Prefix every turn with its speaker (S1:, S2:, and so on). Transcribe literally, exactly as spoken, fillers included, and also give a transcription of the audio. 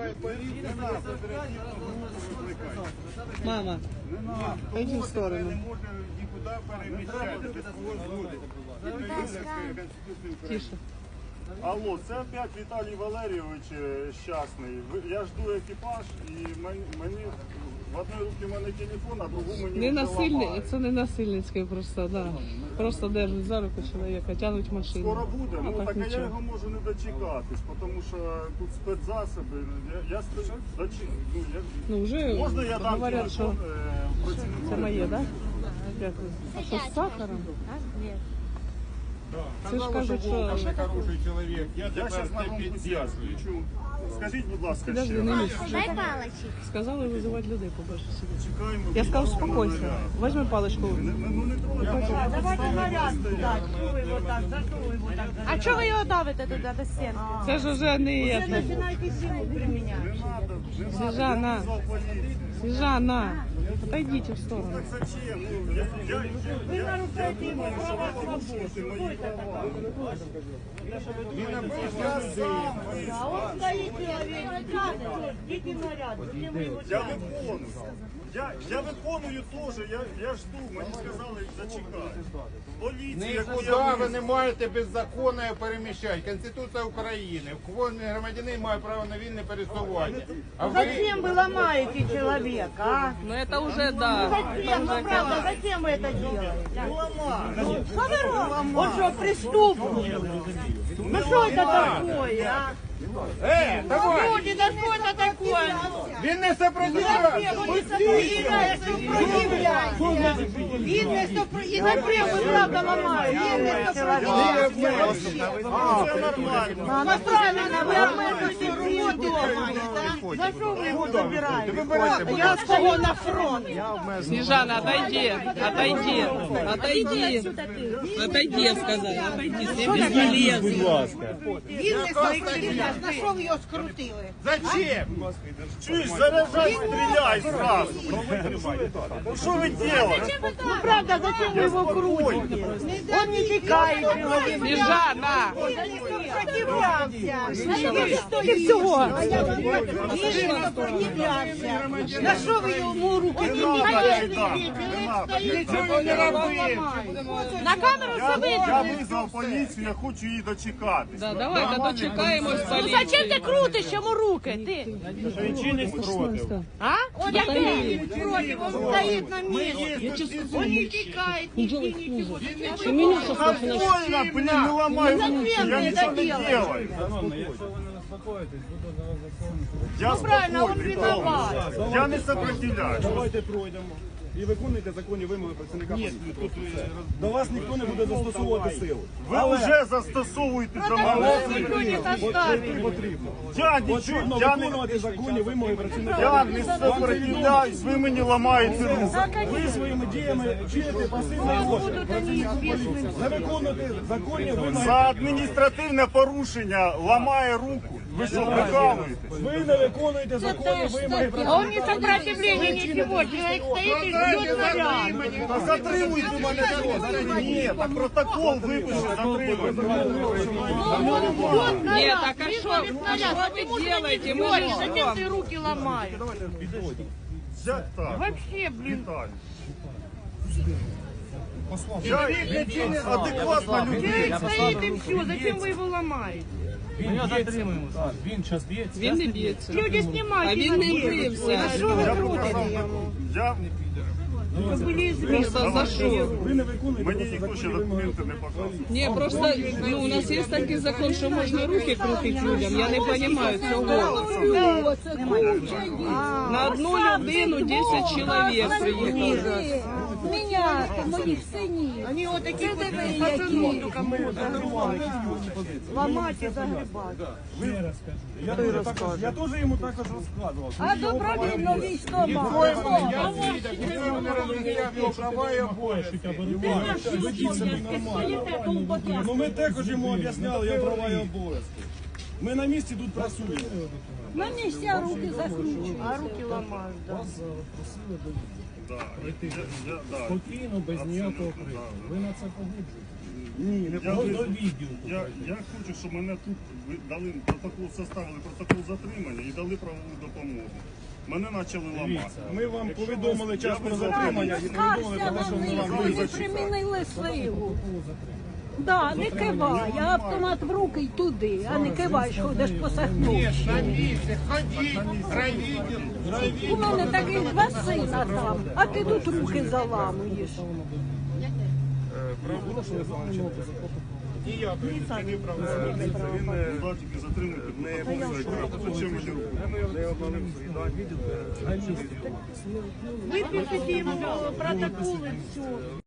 S1: Мама, пойди в сторону. Тише.
S2: Алло, це опять Віталій Валерійович щасний. Я жду екіпаж і мені в одній руці в мене телефон, а другу мені
S1: не насильний, це не насильницький просто, да. Просто держать за руку чоловіка, тягнуть машину.
S2: Скоро буде, ну так,
S1: так
S2: а я його можу не дочекатись, тому що тут спецзасоби. Я, я дочек... ну, я...
S1: ну вже
S2: можна я дам
S1: говорять, що
S2: працівнику?
S1: Це моє, так? Дякую. А що з сахаром?
S3: Ні.
S1: Це ж кажуть, що...
S4: хороший чоловік, я
S2: Я зараз на вам підв'язую. Скажіть, будь ласка,
S1: Подожди,
S2: ще.
S1: не лізь.
S3: Дай палочек.
S1: Сказали визивати людей побольше сюди.
S2: Чекаємо.
S1: Я сказав, успокойся. Возьми паличку.
S2: Ну не трогайте.
S5: Давайте наряд дать. Чего вы его так, за что вы его так?
S3: А чого ви його давите туди до стінки?
S1: Це ж уже не
S5: Вы
S1: это.
S5: начинаете силу применять.
S2: Не надо, не надо.
S1: Снежана,
S2: Я визвав поліцію.
S1: Снежана, отойдите в сторону.
S2: Так зачем? Ну, я, я,
S5: Вы
S2: я, я
S5: нарушаете его
S2: думаю, що
S5: права
S2: ви порушуєте
S5: свободы.
S2: мої
S5: Что это
S2: права.
S5: такое?
S2: Я сам
S5: А
S2: визвав.
S5: он стоит человек, идите наряд. Зачем вы его
S2: Я
S5: тянете?
S2: виконую. Я, я виконую теж, я, я жду, мені сказали зачекати. Поліція, яку
S4: Нікуди
S2: я
S4: ви не
S2: визвав.
S4: маєте беззаконно переміщати. Конституція України. Кожен громадянин має право на вільне пересування. А ви
S5: Зачем вы ломаете человека, а?
S1: Ну это уже, да.
S5: Зачем, ну правда, зачем вы это делаете? Что вы робите? Он что, преступник? Ну что это такое, а?
S4: Е, давай!
S5: Люди, да что это такое?
S4: Він не сопротивляється!
S5: Видно, что про- и напрямую вы правда ломаете. Видно, что сопротивляется.
S2: Це нормально.
S5: Ну правильно, вы обманываете руки ломаете, за что вы его забираете? Я стою на фронт.
S1: Снежана, отойди, отойди, отойди. Отойди, я сказала, отойди, все бесполезно.
S5: Видно, что сопротивляется. На что вы ее скрутили?
S4: Зачем?
S2: Чуєш, заряджай, стріляй зразу. Ну що ви робите?
S5: Ну правда, зачем вы его крутите? Он не текает человек.
S1: Снежана!
S5: Сопротивлялся. Сколько всего? Видно, сопротивлялся. На что вы ему руки не
S2: Нічого не робив.
S3: На камеру
S2: Я,
S3: все
S2: я
S3: видно.
S2: визвав поліцію, я хочу її дочекатись.
S1: Да, давайте дочекаємось
S3: Ну
S1: поліції.
S3: зачем ти крутиш йому руки? Ти? А? Я
S1: Отойди.
S5: против, он стоит на месте. Он не текает, нигде ничего.
S1: Ты меня сейчас
S2: Больно, блин, не ломай руки,
S5: Зачем
S2: я
S5: ты
S2: ничего
S5: это
S2: не
S5: делаешь?
S2: делаю. Я
S5: Правильно, он
S2: спокійний,
S5: виноват.
S2: я не сопротивляюсь.
S6: Давайте пройдемо і виконуйте законні вимоги працівника поліції. До вас ніхто не буде застосовувати силу.
S2: Ви вже застосовуєте до
S5: Никто
S2: мене.
S5: не заставит.
S6: Потрібно.
S2: Я нічого,
S6: Потрібно
S2: я не,
S6: виконувати законні вимоги працівника.
S2: я не сопротивляюсь, ви мені ламаєте руку.
S6: Ви своїми діями вчините пасивний злочин. Не виконуєте законні вимоги.
S2: За адміністративне порушення ламає руку. Ви що, прикалуєтесь?
S6: Ви не виконуєте законні вимоги
S5: А он
S6: працівника.
S5: не сопротивление ничего. Человек стоит и ждет наряд.
S2: Та затримуйте мене тут. Ні, так протокол випише, затримуйте.
S5: Ждет наряд.
S1: Нет, так а что,
S5: Приходит
S1: а
S5: наряд.
S1: что
S5: Почему
S1: вы
S5: ты
S1: делаете?
S5: не
S1: Мы
S5: говоришь?
S1: же
S5: Зачем
S1: вам.
S5: ты руки ломаешь?
S2: Як так?
S5: Вообще, блин.
S2: Віталій. Я адекватна людина.
S5: Человек стоит и все. Зачем вы его ломаете?
S7: Він затримуємо. Він час б'ється.
S1: Він не б'ється.
S5: Люди
S1: А
S5: снимайте.
S1: він не бився.
S5: Что вы
S2: Я
S5: крутите
S2: показав
S5: ему?
S2: документ. Я,
S5: Вы были известны.
S1: Просто за що?
S6: Ви не виконуєте
S2: мені
S6: просто
S2: ніхто ще
S6: законні вимоги.
S2: документи не показав.
S1: Ні, просто ну, у нас є такий закон, що можна руки крутити людям. Я не розумію цього. На одну людину десять чоловік приїхали.
S3: Меня, моїх синів.
S5: Они вот такие вот пацанов только могут загребать. Ломать и загребать.
S6: Я теж також- Я теж йому також розказував.
S3: А добровільно військома.
S4: Ніхто не розуміє його права і обов'язки.
S6: Ну ми також йому об'ясняли його права і обов'язки. Ми на місці тут працюємо.
S3: На місці руки закручують.
S5: А руки ломают, да.
S2: Да. Я, я, да.
S7: Спокійно, без ніякого крику. Ви на це погоджуєте?
S6: Ні, не
S2: Я,
S7: До
S2: ви-
S7: відео.
S2: я, я хочу, щоб мене тут ви дали протокол, составили протокол затримання і дали правову допомогу. Мене почали ламати.
S6: Ми вам повідомили час про
S2: Я
S6: затримання і повідомили про те, що ми вам
S8: Вони
S6: визначили.
S8: примінили силу. Да, не кивай, а автомат в руки й туди, а не кивай, що ходиш по сахнувщині.
S4: На місці, ходіть, райвідділ,
S8: У
S4: райвідділ.
S8: мене таких два сина там, а ти тут руки заламуєш.
S4: Ніяк, це не правда.
S6: Він е,
S2: Да, тільки затримуйте, протокол все, крапка. Зачем мені руку?
S6: не обманув свій да, відділ.
S5: Випишіть йому протокол і все.